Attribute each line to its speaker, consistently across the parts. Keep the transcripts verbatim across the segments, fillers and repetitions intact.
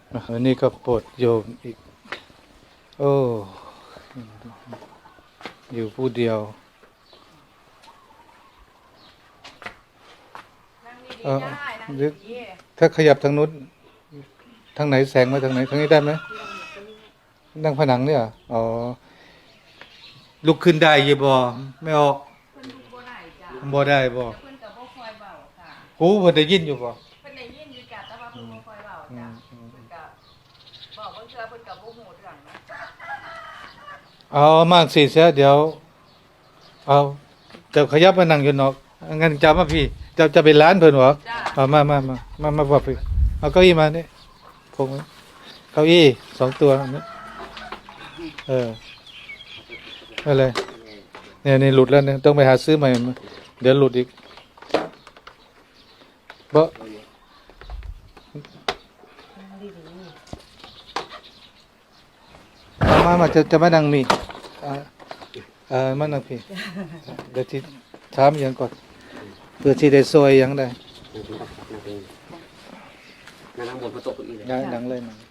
Speaker 1: อันนี้ก็โปรดโยมอีกโอ้อยู่ผู้เดียวเออถ้าขยับทางนู้นทางไหนแสงมาทางไหนทางนี้ได้ไหมนั่งผนังเนี่ยอ๋อลุกขึ้นได้ยี่บ่ไม่ออกบ่ได้บ่หูเพิ่นได้ยินอยู่บ่
Speaker 2: เพิ่นได้ยินอยู่จ้ะแต่ว่าเพิ่นบ่ค่อยเว้าจ้ะเพิ่นก็บอกบางเทื่อเพิ่นก็บ่ฮู้เรื่องนะ
Speaker 1: เอามากสิเสียเดี๋ยวเอาเจ้าขยับมานั่งอยู่นอกงั้นจะมาพี่เจ้าจะไปร้านเพิ่นบ่เอามามามามามาบ่พี่เอาเก้าอี้มานี่พงเก้าอี้สองตัวนี่เอออะไรเนี่ยนี่หลุดแล้วเนี่ยต้องไปหาซื้อใหม่เดี๋ยวหลุดอีกบ่มามาจะจะมานั่งมีอ่าเออมานั่งพี่เดี๋ยวที่ถามอย่างก่อนเพื่อที่ได้ซอยอย่างได้
Speaker 3: นั่งบนประตูอีกเลย
Speaker 1: นั่งนั่งเลยนั่ง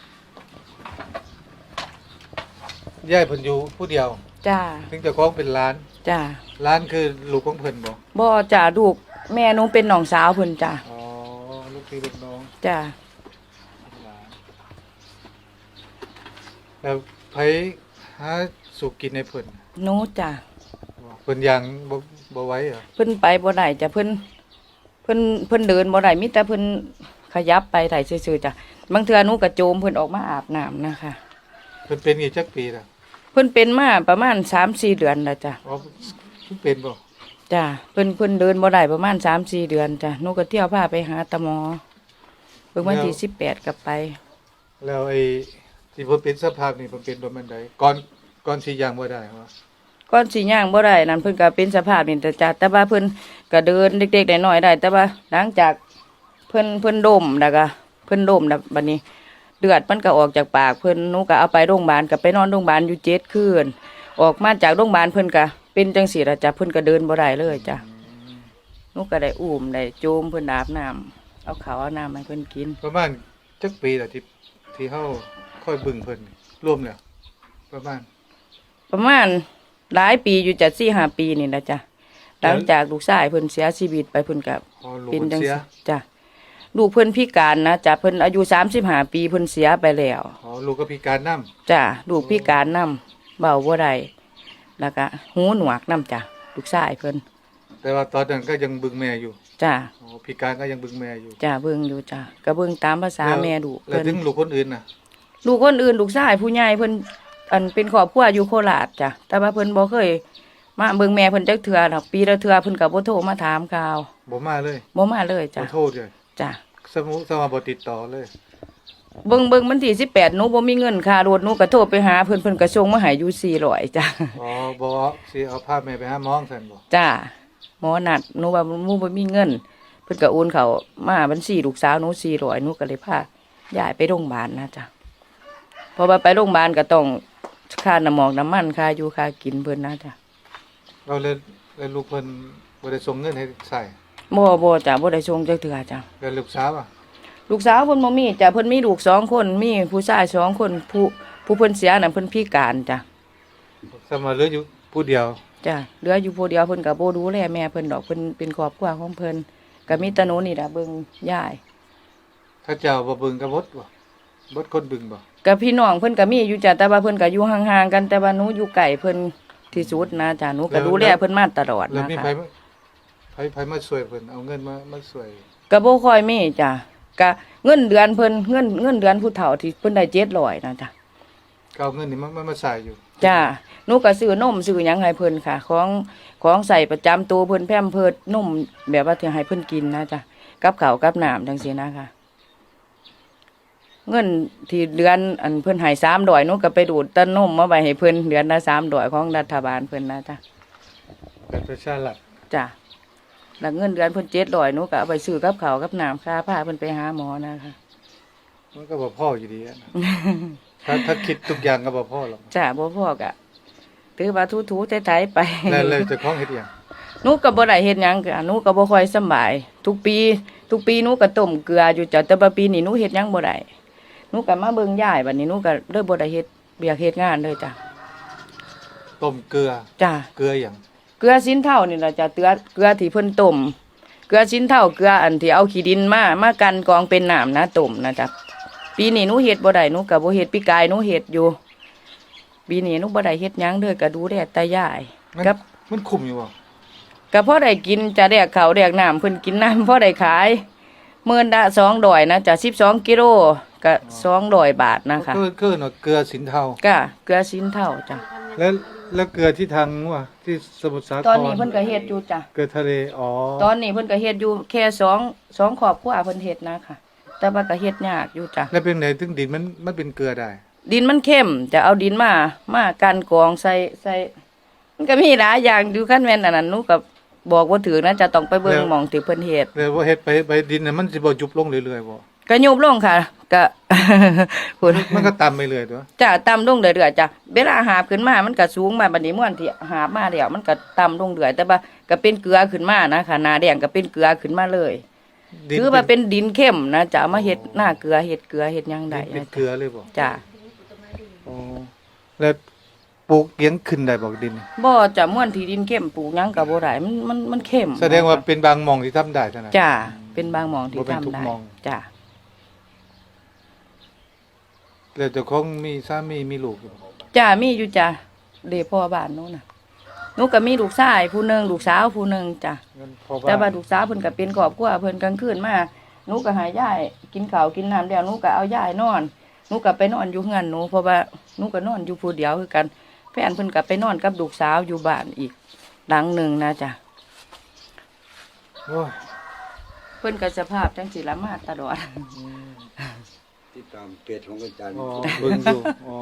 Speaker 1: ย่ายเพิ่นอยู่ผู้เดียว
Speaker 2: จ้า
Speaker 1: ถึงจะคล้องเป็นร้าน
Speaker 2: จ้า
Speaker 1: ร้านคือลูกของเพิ่นบ่
Speaker 2: บ่จ้าลูกแม่หนูเป็นน้องสาวเพิ่นจ้า
Speaker 1: อ๋อลูกพี่ลูกน้อง
Speaker 2: จ้า
Speaker 1: แล้วไผหาสุกินให้เพิ่น
Speaker 2: หนูจ้า
Speaker 1: เพิ่นยังบ่บ่ไหวเหรอ
Speaker 2: เพิ่นไปบ่ได้จ้ะเพิ่นเพิ่นเพิ่นเดินบ่ได้มีแต่เพิ่นขยับไปได้ซื่อๆจ้ะบางเทื่อหนูก็โจมเพิ่นออกมาอาบน้ำนะคะ
Speaker 1: เพิ่นเป็นกี่จักปีล่ะ
Speaker 2: เพิ่นเป็นมาประมาณ สามสี่ เดือนแล้วจ้ะ
Speaker 1: อ๋อเพิ่นเป็นบ่
Speaker 2: จ้ะเพิ่นเพิ่นเดินบ่ได้ประมาณ สามสี่ เดือนจ้ะหนูก็เที่ยวพาไปหาตาหมอเพิ่นวันที่สิบแปดกลับไป
Speaker 1: แล้วไอ้ที่เพิ่นเป็นสภาพนี่เพิ่นเป็นประมาณใดก่อนก่อนสิย่างบ่ได้ว่า
Speaker 2: ก่อนสิย่างบ่ได้นั่นเพิ่นก็เป็นสภาพนี่แต่จ้ะแต่ว่าเพิ่นก็เดินเด็กๆน้อยๆได้แต่ว่าหลังจากเพิ่นเพิ่นดมแล้วก็เพิ่นดมแล้วบัดนี้เลือดมันก็ออกจากปากเพิ่นหนูก็เอาไปโรงพยาบาลก็ไปนอนโรงพยาบาลอยู่เจ็ดคืนออกมาจากโรงพยาบาลเพิ่นก็เป็นจังซี่ล่ะจ้ะเพิ่นก็เดินบ่ได้เลยจ้ะหนูก็ได้อุ้มได้โจมเพิ่นอาบน้ำเอาข้าวเอาน้ำให้เพิ่นกิน
Speaker 1: ประมาณจักปีล่ะที่ที่เฮาค่อยบึงเพิ่นรวมแล้วประมาณ
Speaker 2: ประมาณหลายปีอยู่จ้ะ สี่ห้า ปีนี่ล่ะจ้ะหลังจากลูกชายเพิ่นเสียชีวิตไปเพิ่นก็เป็นจังซี่จ้ะลูกเพิ่นพิการนะจ้ะเพิ่นอายุสามสิบห้าปีเพิ่นเสียไปแล้ว
Speaker 1: อ๋อลูกก็พิการนำ
Speaker 2: จ้ะลูกพิการนำเว้าบ่ได้แล้วก็หูหนวกนำจ้ะลูกชายเพิ่น
Speaker 1: แต่ว่าตอนนั้นก็ยังบึงแม่อยู่
Speaker 2: จ้ะ
Speaker 1: อ๋อพิการก็ยังบึงแม่อยู่
Speaker 2: จ้ะเบิ่งอยู่จ้ะก็เบิ่งตามภาษาแม่ลูก
Speaker 1: เพิ่นแล้วถึงลูกคนอื่นน่ะ
Speaker 2: ลูกคนอื่นลูกชายผู้ใหญ่เพิ่นอันเป็นครอบครัวอยู่โคราชจ้ะแต่ว่าเพิ่นบ่เคยมาเบิ่งแม่เพิ่นจักเทื่อดอกปีละเทื่อเพิ่นก็บ่โทรมาถามข่าว
Speaker 1: บ่มาเลย
Speaker 2: บ่มาเลยจ้ะ
Speaker 1: บ่โทรเลย
Speaker 2: จ้ะ
Speaker 1: สมุสมาบ่ติดต่อเลย
Speaker 2: เบิ่งเบิ่งวันที่สิบแปดหนูบ่มีเงินค่ารถหนูก็โทรไปหาเพิ่นเพิ่นก็ส่งมาให้อยู่สี่ร้อยจ้ะ
Speaker 1: อ๋อบ่สิเอาพาแม่ไปหาหมอซั่นบ่
Speaker 2: จ้ะหมอนัดหนูว่าหนูบ่มีเงินเพิ่นก็โอนเข้ามาบัญชีลูกสาวหนูสี่ร้อยหนูก็เลยพาย้ายไปโรงพยาบาลนะจ้ะพอไปโรงพยาบาลก็ต้องค่าน้ำหมอกน้ำมันค่าอยู่ค่ากินเพิ่นนะจ้ะ
Speaker 1: เราเลยเลยลูกเพิ่นบ่ได้ส่งเงินให้ใช้
Speaker 2: บ่บ่จ้ะบ่ได้ส่งจักเทื่อจ้ะ
Speaker 1: แล้วลูกสาวอ่ะ
Speaker 2: ลูกสาวเพิ่นบ่มีจ้ะเพิ่นมีลูกสองคนมีผู้ชายสองคนผู้ผู้เพิ่นเสียน่ะเพิ่นพิการจ้ะ
Speaker 1: สมาเหลืออยู่ผู้เดียว
Speaker 2: จ้ะเหลืออยู่ผู้เดียวเพิ่นก็บ่ดูแลแม่เพิ่นดอกเพิ่นเป็นครอบครัวของเพิ่นก็มีแต่หนูนี่ล่ะเบิ่งยาย
Speaker 1: เขาเจ้าบ่เบิ่งก็บ่บ่บ่คนบึงบ่
Speaker 2: ก็พี่น้องเพิ่นก็มีอยู่จ้ะแต่ว่าเพิ่นก็อยู่ห่างๆกันแต่ว่าหนูอยู่ไกลเพิ่นที่สุดนะจ้ะหนูก็ดูแลเพิ่นมาตลอดนะคะแล้วมีไผ
Speaker 1: ไผไผมาช่วยเพิ่นเอาเงินมามาช่วย
Speaker 2: ก็บ่ค่อยมีจ้ะก็เงินเดือนเพิ่นเงินเงินเดือนผู้เฒ่าที่เพิ่นได้เจ็ดร้อยนะจ้ะ
Speaker 1: ก็เอาเงินนี่มันมาใส่อยู่
Speaker 2: จ้ะหนูก็ซื้อนมซื้อหยังให้เพิ่นค่ะของของใส่ประจำตัวเพิ่นแพมเพิร์สนมแบบว่าที่ให้เพิ่นกินนะจ้ะกับข้าวกับน้ำจังซี่นะค่ะเงินที่เดือนอันเพิ่นให้สามร้อยหนูก็ไปดูดต้นนมมาไว้ให้เพิ่นเดือนละสามร้อยของรัฐบาลเพิ่นนะจ้ะ
Speaker 1: เป็นประชารัฐ
Speaker 2: จ้ะแล้วเงินเดือนเพิ่นเจ็ดร้อยหนูก็เอาไปซื้อกับข้าวกับน้ำค่าพาเพิ่นไปหาหมอนะคะ
Speaker 1: มันก็บ่พออยู่ดีอ่ะ ถ้าถ้าคิดทุกอย่างก็บ่พอหรอก
Speaker 2: จ้ะบ่พอก็ถือว่าทูๆไถๆไป
Speaker 1: แล้วแล้วเจ้าของเฮ็ดหยัง
Speaker 2: หนูก็บ่ได้เฮ็ดหยังก็หนูก็บ่ค่อยสบายทุกปีทุกปีหนูก็ต้มเกลืออยู่จ้ะแต่ว่าปีนี้หนูเฮ็ดหยังบ่ได้หนูก็มาเบิ่งยายบัดนี้หนูก็เลยบ่ได้เฮ็ดเบียกเฮ็ดงานเลยจ้ะ
Speaker 1: ต้มเกลือ
Speaker 2: จ้ะ
Speaker 1: เกลืออย่าง
Speaker 2: เกลือสินเท่านี่ล่ะจ้ะเตือเกลือที่เพิ่นต้มเกลือสินเท่าเกลืออันที่เอาขี้ดินมามากันกองเป็นน้ำนะต้มนะจ้ะปีนี้หนูเฮ็ดบ่ได้หนูก็บ่เฮ็ดปีกายหนูเฮ็ดอยู่ปีนี้หนูบ่ได้เฮ็ดหยังเลยก็ดูแลแต่ยาย
Speaker 1: มัน
Speaker 2: กับ
Speaker 1: มันคุมอยู่บ่
Speaker 2: ก็พอได้กินจะแดกข้าวแดกน้ำเพิ่นกินน้ำพอได้ขายมื้อละสองร้อยนะจ้ะสิบสองกิโลก็สองร้อยบาทนะคะ
Speaker 1: คือคือเนาะเกลือสินเทา
Speaker 2: ก็เกลือสินเท่าจ้ะ
Speaker 1: แล้วแล้วเกลือที่ทางว่าที่สมุทรสาคร
Speaker 2: ตอนนี้เพิ่นก็เฮ็ดอยู่จ้ะ
Speaker 1: เกลือทะเลอ๋อ
Speaker 2: ตอนนี้เพิ่นก็เฮ็ดอยู่แค่สองสองครอบครัวเพิ่นเฮ็ดนะค่ะ แต่ว่าก็เฮ็ดยากอยู่จ้ะ
Speaker 1: แล้วเป็นไหนถึงดินมันมันเป็นเกลือได้
Speaker 2: ดินมันเข้มจะเอาดินมามากันกรองใส่ใส่มันก็มีหลายอย่างอยู่คันแม่นอันนั้นหนูก็บอกบ่ถือนะจะต้องไปเบิ่งหม่องที่เพิ่นเฮ็ด
Speaker 1: เลยว่าเฮ็ดไปไปดินน่ะมันสิบ่ยุบลงเรื่อยๆบ่
Speaker 2: ก็ยุบลงค่ะก็ พูด
Speaker 1: มันก็ต่ำไปเรื่อยตัว
Speaker 2: จ้ะต่ำลงเรื่อยๆจ้ะเวลาหาบขึ้นมามันก็สูงมาบัดนี้ม่วนที่หาบมาแล้วมันก็ต่ำลงเรื่อยแต่ว่าก็เป็นเกลือขึ้นมานะค่ะหน้าแดงก็เป็นเกลือขึ้นมาเลย
Speaker 1: ดิน
Speaker 2: ถือว่าเป็นดินเข้มนะจะเอามาเฮ็ดหน้าเกลือเฮ็ดเกลือเฮ็ดหยัง
Speaker 1: ดิ
Speaker 2: ได้
Speaker 1: นเป็น
Speaker 2: นะ
Speaker 1: เกลือเลยบ่
Speaker 2: จ้ะ
Speaker 1: อ๋อแล้วปลูกเลี้ยงขึ้นได้บ่ดิน
Speaker 2: บ่จะม่วนที่ดินเข้มปลูกหยังก็บ่ได้มันมันมันเข้ม
Speaker 1: แสดงว่าเป็นบางหม่องที่ทำได้เท่านั้น
Speaker 2: จ้ะเป็นบางหม่องที่
Speaker 1: บ่เป็น
Speaker 2: ทำ
Speaker 1: ทุก
Speaker 2: ได้
Speaker 1: หม่อง
Speaker 2: จ้ะ
Speaker 1: แล้วเจ้าของมีสามีมีลูกอยู่บ่
Speaker 2: จ้ะมีอยู่จ้ะเดพ่อบ้านหนูน่ะหนูก็มีลูกชายผู้หนึงลูกสาวผู้หนึงจ้ะ
Speaker 1: งั้นพอ
Speaker 2: แต่ว่า
Speaker 1: บ้าน
Speaker 2: ลูกสาวเพิ่นก็เป็นครอบครัวเพิ่นกลางคืนมาหนูก็หายายกินข้าวกินน้ำแล้วหนูก็เอายายนอนหนูก็ไปนอนอยู่เฮือนหนูเพราะว่าหนูก็นอนอยู่ผู้เดียวคือกันแฟนเพิ่นก็ไปนอนกับลูกสาวอยู่บ้านอีกหลังหนึงนะจ้ะ
Speaker 1: โอ้ย
Speaker 2: เพิ่นก็สภาพจังสิละมาตลอด
Speaker 4: ติดตามเพจของอาจารย์
Speaker 1: อ๋อเบิ่งอยู่อ๋อ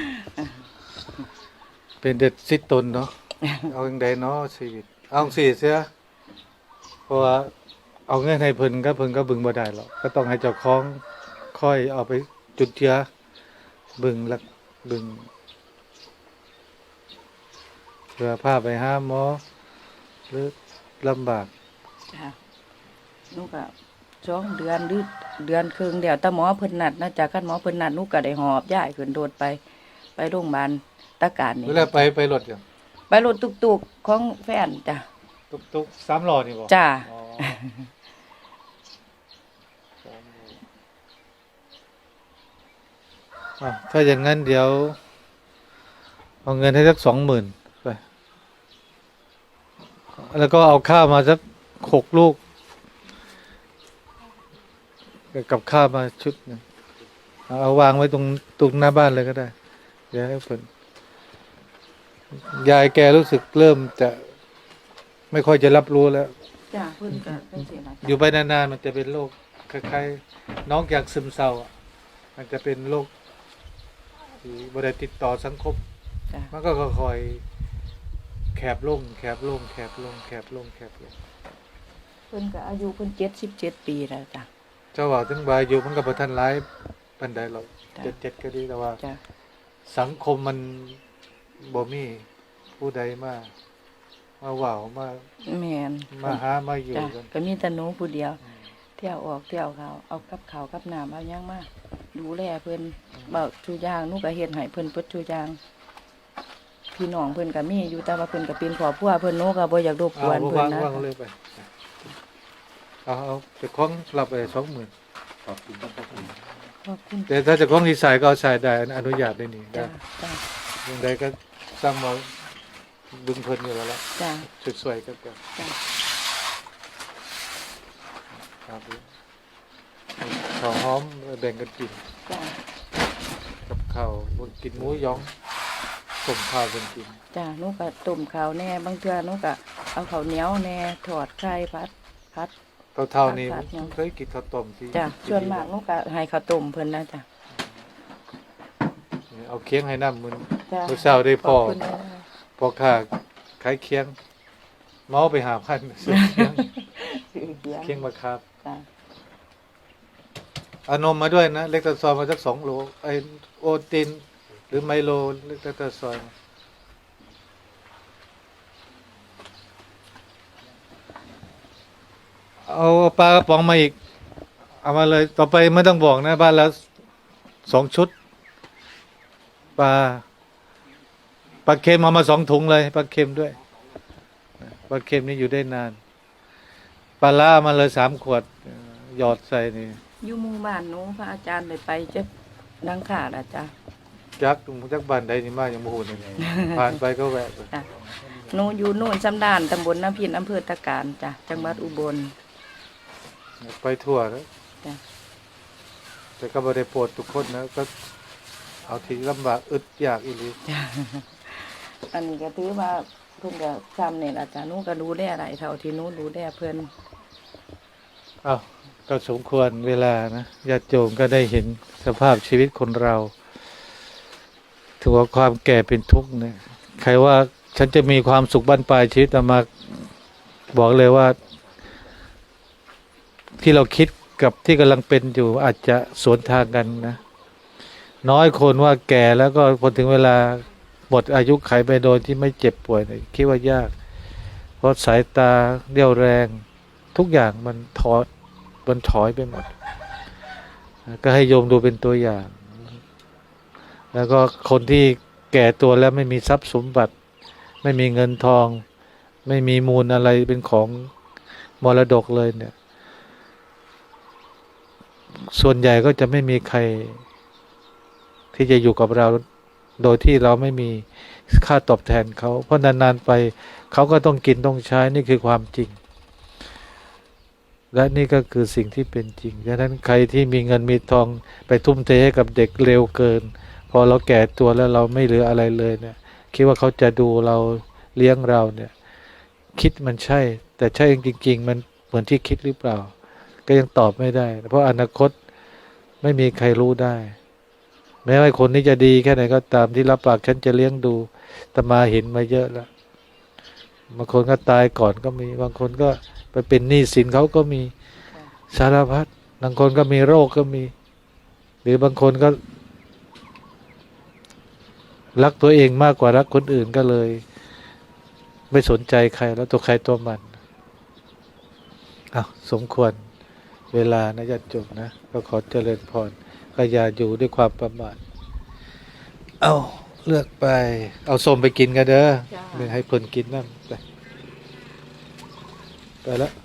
Speaker 1: เป็นเด็ดสิตนเนาะเอาจังไดเนาะชีวิตเอาจังซี่เสียเพราะว่าเอาเงินให้เพิ่นก็เพิ่นก็บึงบ่ได้หรอกก็ต้องให้เจ้าของค่อยเอาไปจุดเจือบึงลักบึงเพื่อพาไปหาหมอหรือลำบาก
Speaker 2: จ้ะหนูก็สองเดือนหรือเดือนครึ่งเดียวแต่หมอเพิ่นนัดนะจากคันหมอเพิ่นนัดหนูก็ได้หอบย้ายขึ้นโดดไป ไปโรงพยาบาลตะการนี่
Speaker 1: เวลาไปไปรถอย่าง
Speaker 2: ไปรถตุกๆของแฟนจ้ะ
Speaker 1: ตุกตุกสามล้อนี่บ่
Speaker 2: จ้ะ
Speaker 1: อ๋ออ่ะถ้าอย่างนั้นเดี๋ยว เอาเงินให้สักสองหมื่นไป แล้วก็เอาข้าวมาสักหกลูก กับข้าวมาชุดหนึงเอาเอาวางไว้ตรงตรงหน้าบ้านเลยก็ได้ เดี๋ยวให้เพิ่นยายแกรู้สึกเริ่มจะไม่ค่อยจะรับรู้แล้ว
Speaker 2: จ้ะเพิ่นก็เป็นสิล่ะ
Speaker 1: อยู่ไปนานๆมันจะเป็นโรคคล้ายๆน้องอยากซึมเศร้าอะมันจะเป็นโรคที่บ่ได้ติดต่อสังคม
Speaker 2: จ้ะ
Speaker 1: มันก็ค่อยๆแคบลงแคบลงแคบลงแคบลงแคบลง
Speaker 2: เพิ่นก็อายุเพิ่นเจ็ดสิบเจ็ดปีแล้วจ้ะ
Speaker 1: เจ้าว่าถึงบายอยู่มันก็บ่ทันหลายปานใดหรอก
Speaker 2: จ้ะ
Speaker 1: เจ็ดเจ็ดก็ดีแต่ว่า
Speaker 2: จ้ะ
Speaker 1: สังคมมันบ่มีผู้ใดมามาเว้ามา
Speaker 2: แม่น
Speaker 1: มาหามาอยู่
Speaker 2: จ้ะ
Speaker 1: กัน
Speaker 2: ก็มีแต่หนูผู้เดียว เที่ยวออกเที่ยวเขาเอากับข้าวกับน้ำเอาหยังมาดูแลเพิ่นเบาทุกอย่างหนูก็เฮ็ดให้เพิ่นเปิดทุกอย่างพี่น้องเพิ่นก็มีอยู่แต่ว่าเพิ่นก็เป็นครอบครัวเพิ่นหนูก็บ่อยากรบก
Speaker 1: เอา
Speaker 2: วน
Speaker 1: บ่
Speaker 2: เพิ่น
Speaker 1: วาง
Speaker 2: นะ
Speaker 1: วางเลยไปเอาเอาเจ้าของรับไปสองหมื่น
Speaker 4: ขอบคุณครับขอบคุณ
Speaker 2: ขอบคุณ
Speaker 1: แต่ถ้าเจะของดีไซน์ก็เอาใช้ได้อนุญาตได้นี่ได้
Speaker 2: จ้ะจ้ะ
Speaker 1: ยังไงก็สร้างมาบึงเพลินอยู่แล้วละ
Speaker 2: จ้ะ
Speaker 1: สวยๆก็เกิด
Speaker 2: จ้ะ
Speaker 1: ครับข้าวหอมแบ่งกันกิน
Speaker 2: จ้ะ
Speaker 1: กับข้าวบนกินหมูหยองต้มข้าวเป็นกิน
Speaker 2: จ้ะหนูก็ต้มข้าวแน่บางเทื่อหนูก็เอาข้าวเหนียวแน่ทอดไข่ผัดผัด
Speaker 1: เท่าๆนี้
Speaker 2: ผัดยัง
Speaker 1: เคยกินข้าวต้มที่
Speaker 2: จ้ะส่วนมากหนูก็ให้ข้าวต้มเพิ่นนะจ้ะ
Speaker 1: เอาเคียงให้น้ำมือ
Speaker 2: จ้ะ
Speaker 1: มื้อเช้าได้พอ
Speaker 2: ขบคุณนะ
Speaker 1: พอค่าขายเคียงเมาไปหาพันซื้อเคียง เคียงมาครับ
Speaker 2: จ้ะ
Speaker 1: เอานมมาด้วยนะเล็กตะซอยมาสักสองโลไอโอตินหรือไมโลเล็กตะซอยมาเอาปลากระป๋องมาอีก เอามาเลยต่อไปไม่ต้องบอกนะบ้านแล้วสองชุดปลาปลาเค็มเอามาสองถุงเลยปลาเค็มด้วยปลาเค็มนี่อยู่ได้นานปลาล่ามาเลยสามขวดหยอดใส่นี่
Speaker 2: อยู่หมู่บ้านหนูพระอาจารย์ได้ไปเจ็บดังขาดอาจารย์
Speaker 1: จักจักบ้านใดนี่มาอย่างโมโหนี่ ผ่านไปก็แวะไป
Speaker 2: จ้ะหนูอยู่โน่นสำดานตำบลน้ำพินอำเภอตะการจ้ะจังหวัดอุบล
Speaker 1: ไปทั่วแล้ว
Speaker 2: จ้ะ
Speaker 1: แต่ก็ไม่ได้โปรดทุกคนนะก็เอาที่ลำบากอึดอยากอีหลี
Speaker 2: จ้ะอันนี้ก็ถือว่าเพิ่นก็ซ้ำเนี่ยอาจารย์หนูก็รู้ได้อะไรเท่าที่หนูรู้ได้เพิ่น
Speaker 1: อ้าวก็สมควรเวลานะญาติโยมก็ได้เห็นสภาพชีวิตคนเราถือว่าความแก่เป็นทุกข์เนี่ยใครว่าฉันจะมีความสุขบั้นปลายชีวิตอามาบอกเลยว่า ที่เราคิดกับที่กำลังเป็นอยู่อาจจะสวนทางกันนะน้อยคนว่าแก่แล้วก็พอถึงเวลาหมดอายุไขไปโดยที่ไม่เจ็บป่วยเนี่ยคิดว่ายากเพราะสายตาเรี่ยวแรงทุกอย่างมันถอยมันถอยไปหมดก็ให้โยมดูเป็นตัวอย่าง แล้วก็คนที่แก่ตัวแล้วไม่มีทรัพย์สมบัติ ไม่มีเงินทอง ไม่มีมูลอะไรเป็นของมรดกเลยเนี่ยส่วนใหญ่ก็จะไม่มีใครที่จะอยู่กับเราโดยที่เราไม่มีค่าตอบแทนเขาเพราะนานๆไปเขาก็ต้องกินต้องใช้นี่คือความจริงและนี่ก็คือสิ่งที่เป็นจริงดังนั้นใครที่มีเงินมีทองไปทุ่มเทให้กับเด็กเร็วเกินพอเราแก่ตัวแล้วเราไม่เหลืออะไรเลยเนี่ยคิดว่าเขาจะดูเราเลี้ยงเราเนี่ยคิดมันใช่แต่ใช่จริงๆมันเหมือนที่คิดหรือเปล่าก็ยังตอบไม่ได้เพราะอนาคตไม่มีใครรู้ได้แม้ว่าคนนี้จะดีแค่ไหนก็ตามที่รับปากฉันจะเลี้ยงดูแต่มาเห็นมาเยอะแล้วบางคนก็ตายก่อนก็มีบางคนก็ไปเป็นหนี้สินเขาก็มีสารพัดบางคนก็มีโรคก็มีหรือบางคนก็รักตัวเองมากกว่ารักคนอื่นก็เลยไม่สนใจใครแล้วตัวใครตัวมันอ้าวสมควรเวลานะญาติโยมนะก็ขอเจริญพรก็อย่าอยู่ด้วยความประมาทเอาเลือกไปเอาส้มไปกินกันเด้อ
Speaker 2: จ้า
Speaker 1: ไม่ให้เพิ่นกินนั่นไปไปแล้ว